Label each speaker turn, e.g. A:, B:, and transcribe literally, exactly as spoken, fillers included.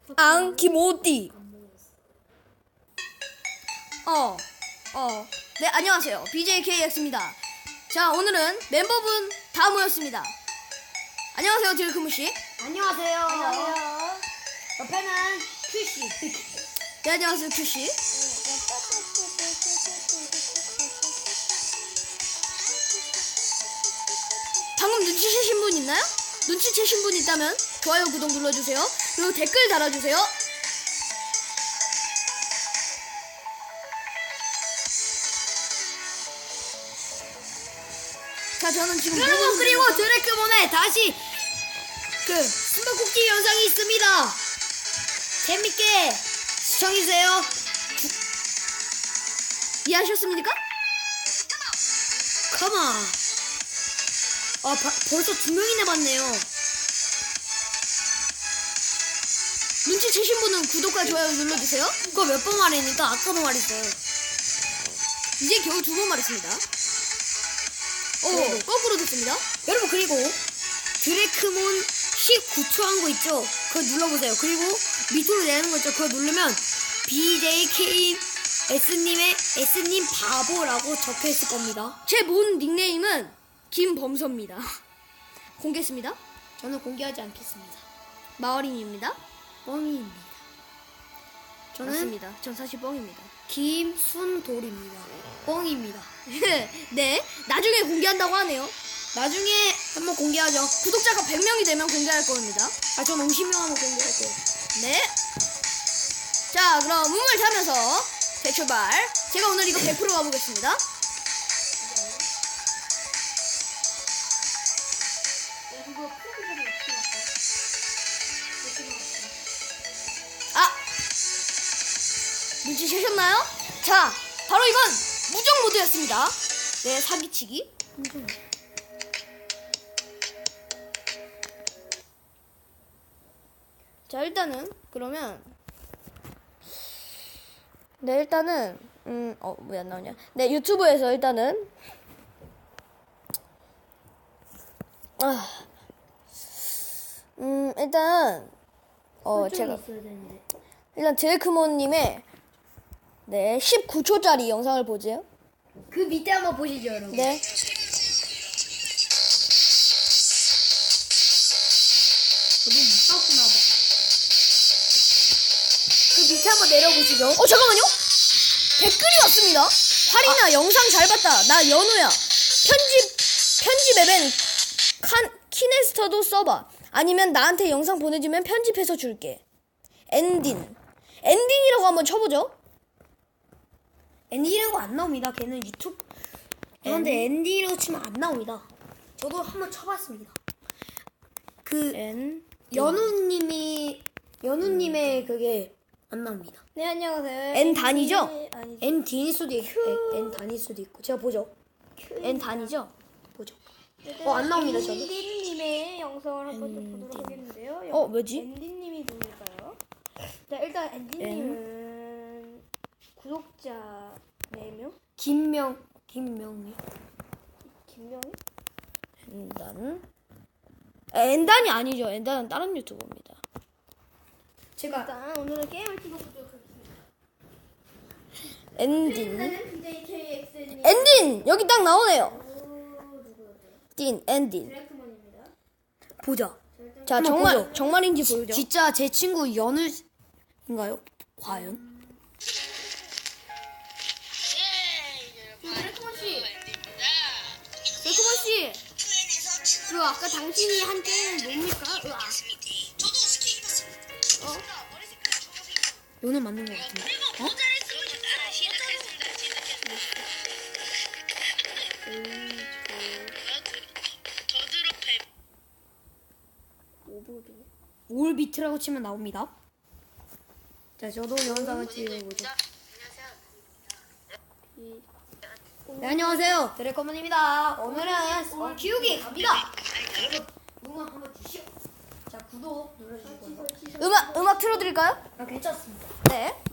A: 앙 김오띠. 어, 어, 네 안녕하세요. 비제이케이엑스입니다. 자 오늘은 멤버분 다 모였습니다. 안녕하세요 딜크무 씨.
B: 안녕하세요. 안녕하세요. 옆에는 큐씨.
A: 네 안녕하세요 큐 씨. 방금 눈치채신 분 있나요? 눈치채신 분 있다면 좋아요 구독 눌러주세요. 그리고 댓글 달아주세요. 자 저는 지금
B: 여러분 그리고 드래크몬에 다시 그 숨바꼭질 영상이 있습니다. 재밌게 시청해주세요.
A: 이해하셨습니까?
B: 컴온. 아 바, 벌써 두 명이나 봤네요.
A: 눈치채신 분은 구독과 좋아요 눌러주세요.
B: 그거 몇 번 말했니까 아까도 말했어요.
A: 이제 겨우 두 번 말했습니다. 오
B: 네.
A: 거꾸로 됐습니다.
B: 여러분 그리고 드래크몬 십구 초 한 거 있죠? 그거 눌러보세요. 그리고 밑으로 내리는 거 있죠? 그거 누르면 비제이케이에스님의 S님 바보라고 적혀있을 겁니다.
A: 제 본 닉네임은 김범서입니다. 공개했습니다.
B: 저는 공개하지 않겠습니다.
A: 마어린입니다.
B: 뻥입니다. 저는
A: 맞습니다. 전 사실 뻥입니다.
B: 김순돌입니다. 뻥입니다.
A: 네 나중에 공개한다고 하네요.
B: 나중에 한번 공개하죠.
A: 구독자가 백 명이 되면 공개할 겁니다.
B: 아, 전 오십 명 하면 공개할 거예요.
A: 네. 자 그럼 우물 타면서 대출발. 제가 오늘 이거 백 퍼센트 가보겠습니다. 아 눈치채셨나요? 자 바로 이건 무적 모드였습니다. 네 사기치기. 자 일단은 그러면 네 일단은 음어 왜 안 나오냐? 네 유튜브에서 일단은 아 음 일단 어 제가
B: 있어야 되는데.
A: 일단 제이크몬님의 네 십구 초짜리 영상을 보죠.
B: 그 밑에 한번 보시죠, 여러분.
A: 네.
B: 저도 못 봤구나 봐. 그 밑에 한번 내려보시죠.
A: 어 잠깐만요. 댓글이 왔습니다. 활이나
B: 아.
A: 영상 잘 봤다. 나 연우야. 편집 편집 앱엔 칸 키네스터도 써봐. 아니면 나한테 영상 보내주면 편집해서 줄게. 엔딘. 엔딘이라고 한번 쳐보죠.
B: 엔디라고 안 나옵니다. 걔는 유튜브. 그런데 엔디라고 치면 안 나옵니다. 저도 한번 쳐봤습니다. 그
A: 엔.
B: 연우님이 연우님의 그게 안 나옵니다.
A: 네 안녕하세요. N 단이죠?
B: N D일 수도 있고 N 단일 수도 있고 제가 보죠.
A: N 단이죠?
B: 보죠. 어 안 나옵니다 저는.
C: 앤디님의 영상을 한번 좀 보도록 하겠는데요.
A: 어 뭐지?
C: 앤디님이 누굴까요? 자 일단 앤디님은 구독자 네 명?
B: 김명 김명이.
C: 김명희?
A: N단. N단이 아니죠. N단은 다른 유튜버입니다.
B: 제가
C: 일단 오늘은 게임을 찍어보도록 하겠습니다.
A: 엔딘.
C: 일단은 비제이케이엑스님
A: 엔딘 여기 딱 나오네요.
C: 누구였죠?
A: 딘 엔딘.
C: 드래크먼입니다.
B: 보자.
A: 자
B: 한번
A: 정말
B: 보죠.
A: 정말인지 보여줘.
B: 진짜 제 친구 연우인가요? 과연?
C: 드래크먼 씨, 드래크먼 씨, 그 아까 당신이 한 게임 뭡니까? 으아.
B: 연우 맞는 것 같은데. 어? 올 비트라고 치면 나옵니다. 자, 저도 영상을 찍어보죠. 네, 안녕하세요. 드래커먼입니다. 오늘은 어, 키우기 갑니다. 여러분, 응원 한번 주시오. 자, 구독 눌러주시고요.
A: 음악 음악 틀어드릴까요?
B: 아, 괜찮습니다.
A: 네.